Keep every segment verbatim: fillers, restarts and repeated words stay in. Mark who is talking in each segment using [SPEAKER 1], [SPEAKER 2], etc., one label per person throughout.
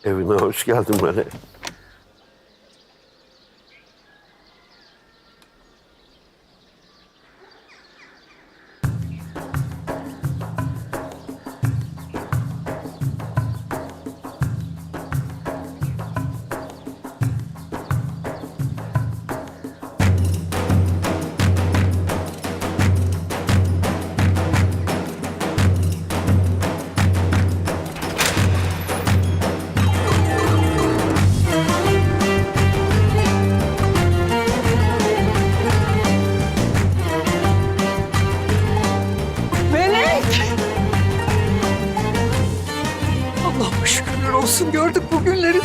[SPEAKER 1] Evine hoş geldin Melek.
[SPEAKER 2] Allah'ıma şükürler olsun, gördük bu günleri.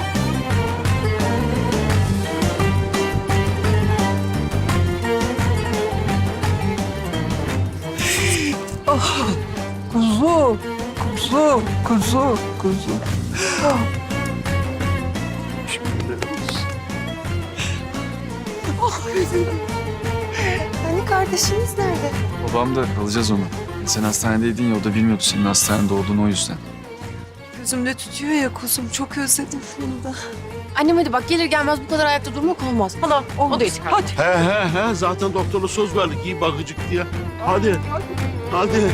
[SPEAKER 2] Ah, kuzu, kuzu, kuzu, kuzu. Ah. Ah,
[SPEAKER 3] Hani kardeşiniz nerede?
[SPEAKER 4] Babam da alacağız onu. Sen hastanedeydin ya, o da bilmiyordu senin hastanede olduğunu, o yüzden.
[SPEAKER 3] Gözümde tutuyor ya kuzum. Çok özledim bunu da.
[SPEAKER 5] Annem hadi bak, gelir gelmez bu kadar ayakta durmak olmaz. Hala o da yeter.
[SPEAKER 2] hadi.
[SPEAKER 1] He he he zaten doktora söz verdik iyi bakıcık diye. Hadi. Hadi.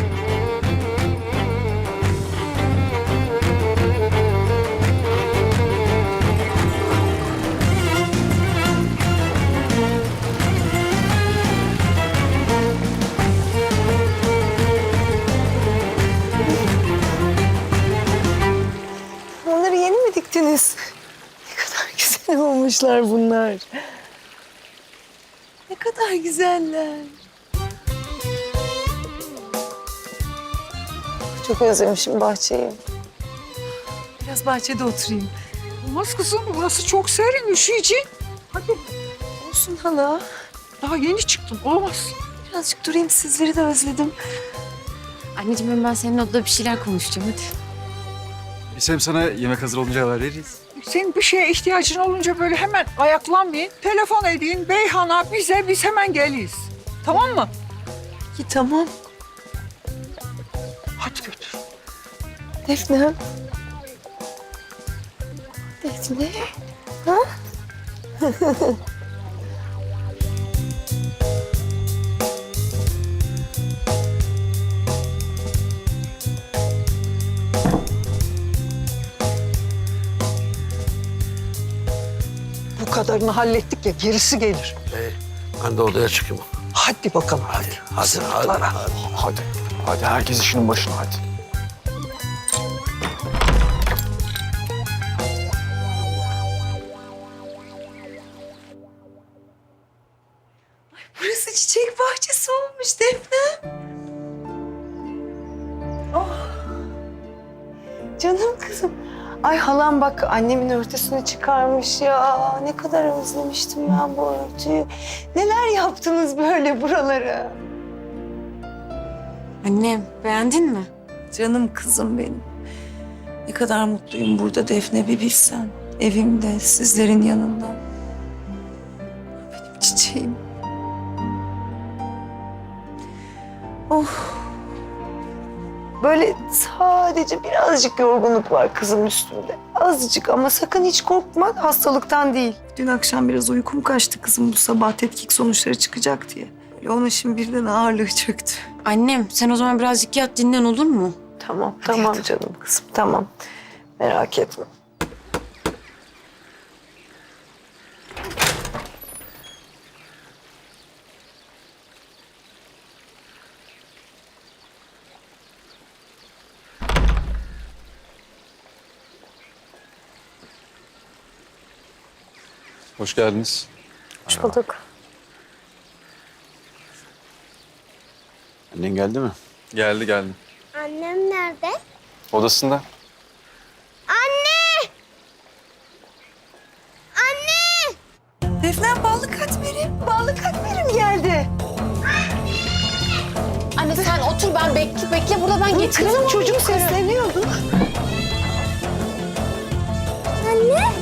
[SPEAKER 3] Onları yeni mi diktiniz? Ne kadar güzel olmuşlar bunlar. Ne kadar güzeller. Çok özlemişim bahçeyi. Biraz bahçede oturayım.
[SPEAKER 2] Olmaz kızım, burası çok serin, üşüyecek. Hadi,
[SPEAKER 3] Olsun hala.
[SPEAKER 2] daha yeni çıktım, olmaz.
[SPEAKER 3] Birazcık durayım, sizleri de özledim.
[SPEAKER 5] Anneciğim ben senin odada bir şeyler konuşacağım hadi.
[SPEAKER 4] Biz hem sana yemek hazır olunca haber veririz.
[SPEAKER 2] Senin bir şeye ihtiyacın olunca böyle hemen ayaklanmayın. Telefon edin Beyhan'a, bize, biz hemen geliyiz. Tamam mı?
[SPEAKER 3] Ki tamam.
[SPEAKER 2] Hadi götür.
[SPEAKER 3] Defne. Defne. Ha?
[SPEAKER 2] Bu kadarını hallettik ya, gerisi gelir.
[SPEAKER 1] Hey, ben de odaya çıkayım.
[SPEAKER 2] Hadi bakalım.
[SPEAKER 1] Hadi, hadi, hadi,
[SPEAKER 2] Sınıflara.
[SPEAKER 1] hadi.
[SPEAKER 4] Hadi. Hadi herkes işinin başına hadi.
[SPEAKER 3] Burası çiçek bahçesi olmuş Defne. Oh. Canım kızım. Ay halam bak annemin örtüsünü çıkarmış ya. Ne kadar özlemiştim ben bu örtüyü. Neler yaptınız böyle buralara?
[SPEAKER 5] Annem beğendin mi?
[SPEAKER 3] Canım kızım benim. Ne kadar mutluyum burada Defne, bir bilsen. Evimde, sizlerin yanında. Benim çiçeğim. Oh. Böyle sadece birazcık yorgunluk var kızım üstünde. Azıcık ama sakın hiç korkma, hastalıktan değil. Dün akşam biraz uykum kaçtı kızım, bu sabah tetkik sonuçları çıkacak diye. Böyle ona şimdi birden ağırlığı çöktü.
[SPEAKER 5] Annem sen o zaman birazcık yat dinlen olur mu?
[SPEAKER 3] Tamam, tamam canım kızım, tamam. Merak etme.
[SPEAKER 4] Hoş geldiniz.
[SPEAKER 3] Hoş bulduk.
[SPEAKER 4] Annen geldi mi? Geldi geldi.
[SPEAKER 6] Annem nerede?
[SPEAKER 4] Odasında.
[SPEAKER 6] Anne! Anne!
[SPEAKER 3] Defne, ballı katmerim, ballı katmerim geldi.
[SPEAKER 5] Anne sen otur, ben bekle bekle burada, ben getiririm.
[SPEAKER 3] Kızım çocuğum sesleniyordu.
[SPEAKER 6] Anne!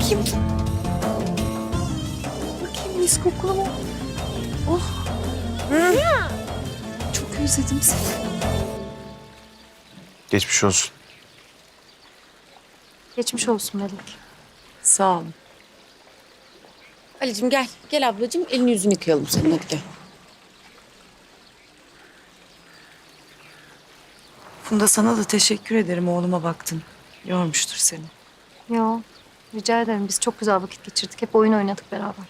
[SPEAKER 3] Bakayım. Bakayım mis kokulu mu? Oh. Hı. Çok özledim seni.
[SPEAKER 4] Geçmiş olsun.
[SPEAKER 7] Geçmiş olsun Melek.
[SPEAKER 5] Sağ ol. Ali'cim gel. Gel ablacığım. Elini yüzünü yıkayalım senin, hadi gel.
[SPEAKER 3] Funda sana da teşekkür ederim oğluma baktın. Yormuştur seni.
[SPEAKER 7] Yo, rica ederim. Biz çok güzel vakit geçirdik. Hep oyun oynadık beraber.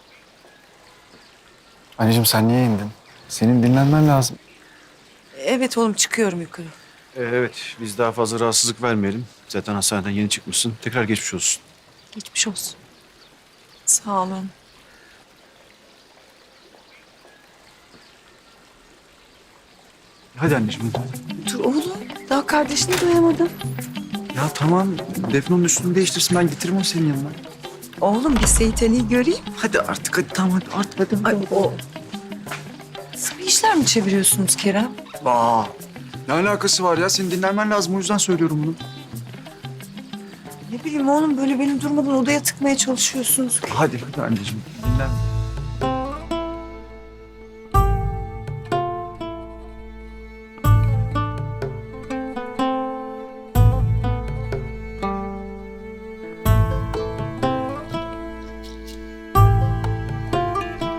[SPEAKER 4] Anneciğim sen niye indin? Senin dinlenmen lazım.
[SPEAKER 3] Evet oğlum çıkıyorum yukarı.
[SPEAKER 1] Ee, evet biz daha fazla rahatsızlık vermeyelim. Zaten hastaneden yeni çıkmışsın. Tekrar geçmiş olsun.
[SPEAKER 7] Geçmiş olsun.
[SPEAKER 3] Sağ olun.
[SPEAKER 1] Hadi anneciğim.
[SPEAKER 3] Dur oğlum daha kardeşini doyamadın.
[SPEAKER 4] Ya tamam Defne'nin üstünü değiştirsin ben getiririm onu senin yanına.
[SPEAKER 3] Oğlum bir Seyit Ali'yi göreyim.
[SPEAKER 4] Hadi artık hadi tamam hadi artık hadi.
[SPEAKER 3] Ay o... Sıvı işler mi çeviriyorsunuz Kerem?
[SPEAKER 4] Aa, ne alakası var ya? Senin dinlenmen lazım o yüzden söylüyorum bunu.
[SPEAKER 3] Ne bileyim oğlum böyle beni durmadan odaya tıkmaya çalışıyorsunuz.
[SPEAKER 4] Hadi hadi anneciğim dinlen.